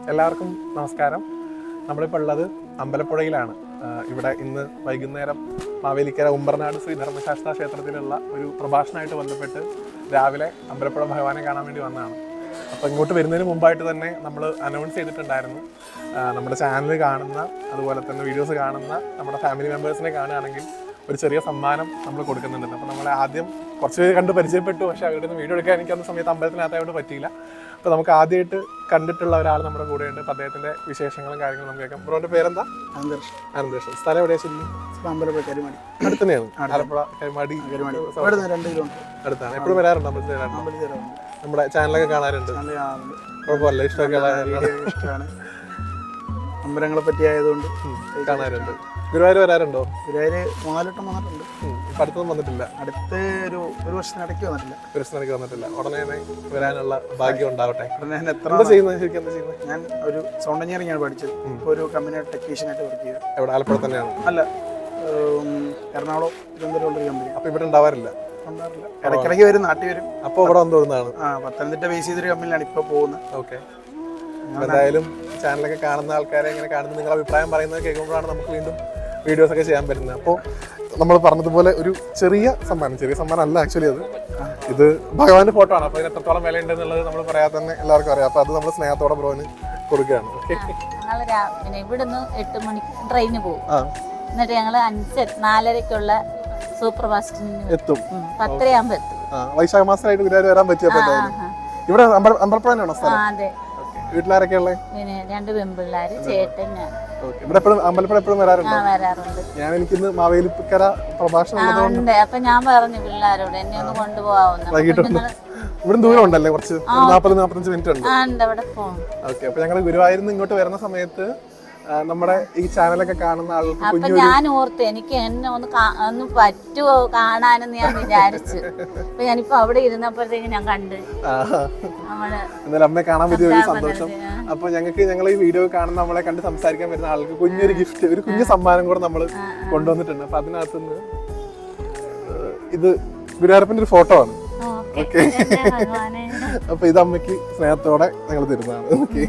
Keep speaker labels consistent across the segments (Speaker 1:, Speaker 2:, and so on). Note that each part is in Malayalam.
Speaker 1: എല്ലാവർക്കും നമസ്കാരം. നമ്മളിപ്പോൾ ഉള്ളത് അമ്പലപ്പുഴയിലാണ്. ഇവിടെ ഇന്ന് വൈകുന്നേരം മാവേലിക്കര ഉമ്പർനാട് ശ്രീ ധർമ്മശാസ്ത്ര ക്ഷേത്രത്തിലുള്ള ഒരു പ്രഭാഷണമായിട്ട് ബന്ധപ്പെട്ട് രാവിലെ അമ്പലപ്പുഴ ഭഗവാനെ കാണാൻ വേണ്ടി വന്നതാണ്. അപ്പോൾ ഇങ്ങോട്ട് വരുന്നതിന് മുമ്പായിട്ട് തന്നെ നമ്മൾ അനൗൺസ് ചെയ്തിട്ടുണ്ടായിരുന്നു, നമ്മുടെ ചാനൽ കാണുന്ന അതുപോലെ തന്നെ വീഡിയോസ് കാണുന്ന നമ്മുടെ ഫാമിലി മെമ്പേഴ്സിനെ കാണുകയാണെങ്കിൽ ഒരു ചെറിയ സമ്മാനം നമ്മൾ കൊടുക്കുന്നുണ്ട്. അപ്പോൾ നമ്മൾ ആദ്യം കുറച്ച് പേര് കണ്ട് പരിചയപ്പെട്ടു, പക്ഷേ അവരുടെ നിന്ന് വീഡിയോ എടുക്കാൻ എനിക്ക് അന്ന സമയത്ത് അമ്പലത്തിനകത്തായതുകൊണ്ട് പറ്റിയില്ല. അപ്പോൾ നമുക്ക് ആദ്യമായിട്ട് കണ്ടിട്ടുള്ള ഒരാൾ നമ്മുടെ കൂടെയുണ്ട്. അപ്പോൾ അദ്ദേഹത്തിൻ്റെ വിശേഷങ്ങളും കാര്യങ്ങളും നമുക്ക് കേൾക്കാം. ബ്രോൻ്റെ പേരെന്താ? അനന്തകൃഷ്ണൻ. സ്ഥലം എവിടെയാ? ശരി,
Speaker 2: അമ്പലപ്പുഴ കരിമാടി
Speaker 1: അടുത്ത് തന്നെയാണ്. ആലപ്പുഴ കരിമാടി അടുത്താണ്. എപ്പോഴും വരാറുണ്ട് അമ്പലത്തിൽ? നമ്മുടെ ചാനലൊക്കെ കാണാറുണ്ട്? കുഴപ്പമില്ല, ഇഷ്ടമാണ്.
Speaker 2: അമ്പലങ്ങളെ പറ്റി ആയതുകൊണ്ട്
Speaker 1: കാണാറുണ്ട്. ഗുരുവായൂർ വരാറുണ്ടോ?
Speaker 2: ഗുരുവായൂർ 4 വട്ടം വന്നിട്ടുണ്ട്.
Speaker 1: ഇപ്പം അടുത്തൊന്നും വന്നിട്ടില്ല?
Speaker 2: അടുത്ത് ഒരു വർഷത്തിനിടയ്ക്ക് വന്നിട്ടില്ല.
Speaker 1: ഒരു വർഷത്തിനിടയ്ക്ക് വന്നിട്ടില്ല. ഉടനെ വരാനുള്ള ഭാഗ്യം ഉണ്ടാവട്ടെ.
Speaker 2: എന്താ
Speaker 1: ചെയ്യുന്നത്? ശരിക്കും എന്താ ചെയ്യുന്നത്?
Speaker 2: ഞാൻ ഒരു സൗണ്ട് എഞ്ചിനീയറിംഗ് ആണ് പഠിച്ചത്. ഇപ്പോൾ ഒരു കമ്പനി ടെക്നീഷ്യനായിട്ട് വർക്ക് ചെയ്യുക.
Speaker 1: എവിടെ? ആലപ്പുഴ തന്നെയാണ്?
Speaker 2: അല്ല, എറണാകുളം തിരുവനന്തപുരം കമ്പനി.
Speaker 1: അപ്പോൾ ഇവിടെ ഉണ്ടാവാറില്ല?
Speaker 2: ഇടയ്ക്കിടയ്ക്ക് വരും, നാട്ടിൽ വരും.
Speaker 1: അപ്പോൾ ഇവിടെ വന്നു തോന്നുന്നതാണ്.
Speaker 2: പത്തനംതിട്ട ബേസ് ചെയ്തൊരു കമ്പനിയിലാണ് ഇപ്പോൾ പോകുന്നത്.
Speaker 1: ഓക്കെ. എന്തായാലും ചാനലൊക്കെ കാണുന്ന ആൾക്കാരെ എങ്ങനെ കാണുന്നത്, നിങ്ങളുടെ അഭിപ്രായം പറയുന്നത് കേൾക്കുമ്പോഴാണ് നമുക്ക് വീണ്ടും വീഡിയോസ് ഒക്കെ ചെയ്യാൻ പറ്റുന്നത്. അപ്പോൾ നമ്മൾ പറഞ്ഞതുപോലെ ഒരു ചെറിയ സമ്മാനം അല്ല ആക്ച്വലി, ഇത് ഭഗവാന്റെ ഫോട്ടോ ആണ്. അപ്പോൾ ഇതിന് എത്രത്തോളം വില ഉണ്ടെന്നുള്ളത് നമ്മൾ പറയാതെ തന്നെ എല്ലാവർക്കും അറിയാം. അപ്പോൾ അത് നമ്മൾ സ്നേഹത്തോടെ ബ്രോന് കൊടുക്കുകയാണ്.
Speaker 3: ഞങ്ങൾ ഇവിടുന്ന് 8 മണിക്ക് ട്രെയിന് പോകും. എന്നിട്ട് ഞങ്ങൾ 4:30ക്കുള്ള സൂപ്പർ ഫാസ്റ്റിന് എത്തും. 10:30 എത്തും.
Speaker 1: വൈശാഖ മാസമായിട്ട് ഗുരുവായൂർ വരാൻ പറ്റിയപ്പോൾ ഇവിടെ അമ്പലപ്പുഴ തന്നെയാണോ സ്ഥലം?
Speaker 3: അതെ.
Speaker 1: വീട്ടിലാരൊക്കെ ഉള്ളത്?
Speaker 3: പിന്നെ 2 പെൺപിള്ളേര്, ചേട്ടൻ, ഞാൻ.
Speaker 1: ഇവിടെ അമ്പലപ്പുഴ എപ്പോഴും വരാറുണ്ട്? ഞാൻ എനിക്കിന്ന് മാവേലിക്കര പ്രഭാഷണം
Speaker 3: ഉണ്ട്. അപ്പൊ ഞാൻ പറഞ്ഞു പിള്ളേരോട് എന്നെ ഒന്ന് കൊണ്ടുപോകാവുന്ന.
Speaker 1: ഇവിടെ ദൂരം ഉണ്ടല്ലേ? കുറച്ച് 40-45 മിനിറ്റ് ഉണ്ട്.
Speaker 3: അവിടെ പോകും.
Speaker 1: ഓക്കെ. അപ്പൊ ഞങ്ങൾ ഗുരുവായൂരിൽ നിന്ന് ഇങ്ങോട്ട് വരുന്ന സമയത്ത് നമ്മുടെ ഈ ചാനലൊക്കെ കാണുന്ന ആൾക്ക്
Speaker 3: അപ്പൊ ഞാൻ ഓർത്ത് എനിക്ക് എന്നെ ഒന്ന് പറ്റുമോ കാണാനെന്ന് ഞാൻ വിചാരിച്ചു. അപ്പൊ ഞാനിപ്പോ അവിടെ ഇരുന്നപ്പോഴത്തേക്ക് ഞാൻ കണ്ട്
Speaker 1: എന്നാലും അമ്മയെ കാണാൻ പറ്റിയ ഒരു സന്തോഷം. അപ്പൊ ഞങ്ങൾ ഈ വീഡിയോ കാണുന്ന നമ്മളെ കണ്ട് സംസാരിക്കാൻ വരുന്ന ആൾക്ക് കുഞ്ഞൊരു ഗിഫ്റ്റ്, ഒരു കുഞ്ഞു സമ്മാനം കൂടെ നമ്മൾ കൊണ്ടുവന്നിട്ടുണ്ട്. അപ്പൊ അതിനകത്തുനിന്ന് ഇത് ഗുരുവായൂരപ്പന്റെ ഒരു ഫോട്ടോ ആണ്. ഓക്കെ. അപ്പൊ ഇത് അമ്മയ്ക്ക് സ്നേഹത്തോടെ ഞങ്ങൾ തരുന്നതാണ്. ഓക്കെ.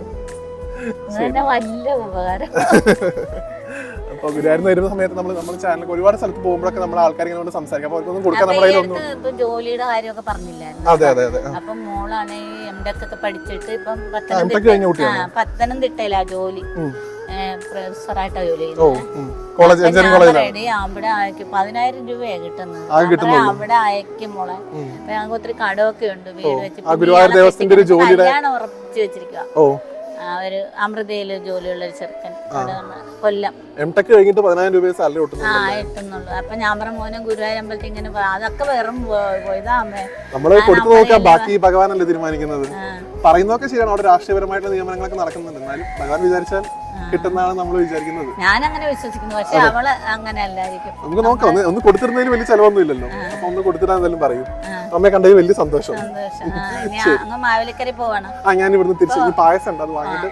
Speaker 1: അപ്പൊ ഗുരുവായൂരിൽ വരുന്ന സമയത്ത് നമ്മൾ ചാനലിൽ ഒരുപാട് സ്ഥലത്ത് പോകുമ്പോഴൊക്കെ നമ്മൾ ആൾക്കാർ ഇങ്ങനെ സംസാരിക്കും. അപ്പൊ അവർക്കൊന്നും കൊടുക്കാൻ
Speaker 3: നമ്മുടെ ജോലിയുടെ കാര്യമൊക്കെ പറഞ്ഞില്ലായിരുന്നു.
Speaker 1: അതെ അതെ അതെ.
Speaker 3: അപ്പൊ മോളാണ് MTech ഒക്കെ പഠിച്ചിട്ട് ഇപ്പം പത്തനംതിട്ടയിലാ ജോലി, പ്രൊഫസറായിട്ടാ ജോലി ചെയ്യുന്നത്. അവിടെ അയക്കും 10,000 രൂപയാ കിട്ടുന്നത്. അവിടെ അയക്കും മോളെ. അപ്പൊ ഞങ്ങൾക്ക് ഒത്തിരി കടമൊക്കെ ഉണ്ട്. വീട് വെച്ച് കല്യാണം ഉറപ്പിച്ചു വെച്ചിരിക്കുക. ഒരു അമൃതയില് ജോലിയുള്ള ഒരു ചെറുക്കൻ കൊല്ലം.
Speaker 1: MTech കഴിഞ്ഞിട്ട് 10,000 രൂപ സാലറി
Speaker 3: കിട്ടുന്നുള്ളൂ. അപ്പൊ ഞാൻ പറഞ്ഞ മോനെ ഗുരുവായൂർ അമ്പലത്തിൽ ഇങ്ങനെ അതൊക്കെ വെറും ഇതാ അമ്മേ.
Speaker 1: നമ്മള് കൊടുത്തു നോക്കാം, ബാക്കി ഭഗവാനല്ലേ തീരുമാനിക്കുന്നത്. പറയുന്നതൊക്കെ ശരിയാണ്, അവിടെ രാഷ്ട്രീയപരമായിട്ടുള്ള നിയമനങ്ങളൊക്കെ നടക്കുന്നുണ്ട്. എന്നാലും ഭഗവാൻ വിചാരിച്ചാൽ കിട്ടുന്നതാണ് നമ്മൾ വിചാരിക്കുന്നത്.
Speaker 3: ഞാൻ അങ്ങനെ വിശ്വസിക്കുന്നു. പക്ഷെ അവള് അങ്ങനെ അല്ലായിരിക്കും.
Speaker 1: നമുക്ക് നോക്കാം. ഒന്ന് കൊടുത്തിരുന്നതിന് വലിയ ചെലവൊന്നും ഇല്ലല്ലോ. അപ്പൊ ഒന്ന് കൊടുത്തിട്ടാണെങ്കിലും പറയും. അമ്മയെ കണ്ടതിൽ വലിയ സന്തോഷം.
Speaker 3: മാവേലിക്കര പോവാണ്.
Speaker 1: ഞാൻ ഇവിടുന്ന് തിരിച്ചു പായസം ഉണ്ട്, അത് വാങ്ങിട്ട്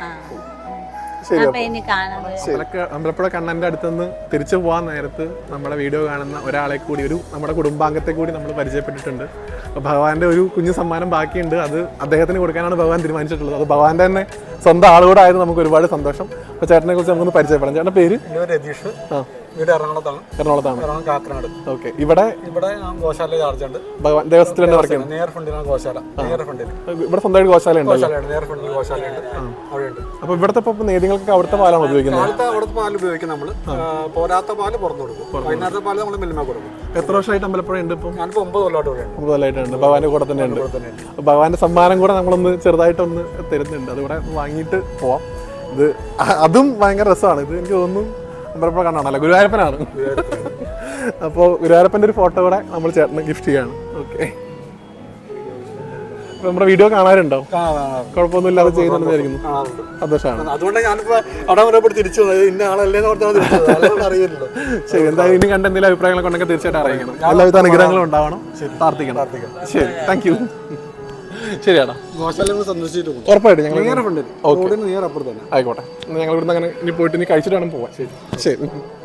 Speaker 1: അമ്പലപ്പുഴ കണ്ണന്റെ അടുത്തുനിന്ന് തിരിച്ചു പോകാൻ നേരത്ത് നമ്മുടെ വീഡിയോ കാണുന്ന ഒരാളെ കൂടി, നമ്മുടെ കുടുംബാംഗത്തെ കൂടി നമ്മൾ പരിചയപ്പെട്ടിട്ടുണ്ട്. അപ്പോൾ ഭഗവാന്റെ ഒരു കുഞ്ഞു സമ്മാനം ബാക്കിയുണ്ട്. അത് അദ്ദേഹത്തിന് കൊടുക്കാനാണ് ഭഗവാൻ തീരുമാനിച്ചിട്ടുള്ളത്. അത് ഭഗവാന്റെ തന്നെ സ്വന്തം ആളുകൂടെ ആയത് നമുക്ക് ഒരുപാട് സന്തോഷം. അപ്പോൾ ചേട്ടനെ കുറിച്ച് നമുക്കൊന്ന് പരിചയപ്പെടാം. ചേട്ടൻ്റെ പേര്?
Speaker 4: രതീഷ്. വീട് എറണാകുളത്താണ്. കാക്കനാട്.
Speaker 1: ഓക്കെ. ഇവിടെ
Speaker 4: ഗോശാല ചാർജ് ഉണ്ട്.
Speaker 1: ഭഗവാൻ ദേവസ്ഥത്തിൽ തന്നെ വർക്ക് ചെയ്യുന്നത്.
Speaker 4: നേർ ഫ്രണ്ടിലാണ് ഗോശാല.
Speaker 1: ഇവിടെ സ്വന്തമായിട്ട് ഗോശാല ഉണ്ട്.
Speaker 4: നേർ ഫ്രണ്ടിൽ ഗോശാലയുണ്ട്. അവിടെയുണ്ട്.
Speaker 1: അപ്പോൾ ഇവിടുത്തെ ഇപ്പോൾ നേദ്യങ്ങൾക്കൊക്കെ അവിടുത്തെ പാലാണ് ഉപയോഗിക്കുന്നത്?
Speaker 4: അവിടുത്തെ പാല് ഉപയോഗിക്കും നമ്മൾ. പോരാത്ത പാല് പുറത്തു കൊടുക്കും. വൈകുന്നേരത്തെ പാല് നമ്മൾ മിൽമ കൊടുക്കും.
Speaker 1: എത്ര വർഷമായിട്ട് അമ്പലപ്പുഴ ഉണ്ട്? ഇപ്പം
Speaker 4: ഞാനിപ്പോൾ 9 കൊല്ലമായിട്ട് ഇവിടെ.
Speaker 1: 9 കൊല്ലമായിട്ടുണ്ട്. ഭഗവാന്റെ കൂടെ തന്നെ ഉണ്ട്. ഭഗവാന്റെ സമ്മാനം കൂടെ നമ്മളൊന്ന് ചെറുതായിട്ടൊന്ന് തരുന്നുണ്ട്. അതിവിടെ വാങ്ങിയിട്ട് പോവാം. ഇത് അതും ഭയങ്കര രസമാണ്. ഇത് എനിക്ക് തോന്നുന്നു അമ്പലപ്പുഴ കണ്ണാണല്ലോ, ഗുരുവായൂരപ്പനാണ്. അപ്പോൾ ഗുരുവായൂരപ്പൻ്റെ ഒരു ഫോട്ടോ കൂടെ നമ്മൾ ചേട്ടന് ഗിഫ്റ്റ് ചെയ്യാണ്. ഓക്കെ. നമ്മുടെ വീഡിയോ കാണാറുണ്ടോ? കുഴപ്പമൊന്നുമില്ലാതെ ചെയ്യുന്നുണ്ടായിരിക്കുന്നു. സന്തോഷമാണ്.
Speaker 4: അതുകൊണ്ട് ഞാനിപ്പോൾ അവിടെ തിരിച്ചു ഇന്ന ആളല്ലേ അറിയില്ലല്ലോ.
Speaker 1: ശരി, എന്തായാലും ഇനി കണ്ട എന്തെങ്കിലും അഭിപ്രായങ്ങളൊക്കെ ഉണ്ടെങ്കിൽ തീർച്ചയായിട്ടും അറിയിക്കണം. എല്ലാവിധ അനുഗ്രഹങ്ങളും ഉണ്ടാവണം. പ്രാർത്ഥിക്കണം. ശരി, താങ്ക് യു. ശരിയാടാ. ഉറപ്പായിട്ടും ഞങ്ങൾ ആയിക്കോട്ടെ. ഞങ്ങൾ ഇവിടുന്ന് അങ്ങനെ ഇനി പോയിട്ട് ഇനി കഴിച്ചിട്ട് വേണം പോവാൻ. ശരി ശരി.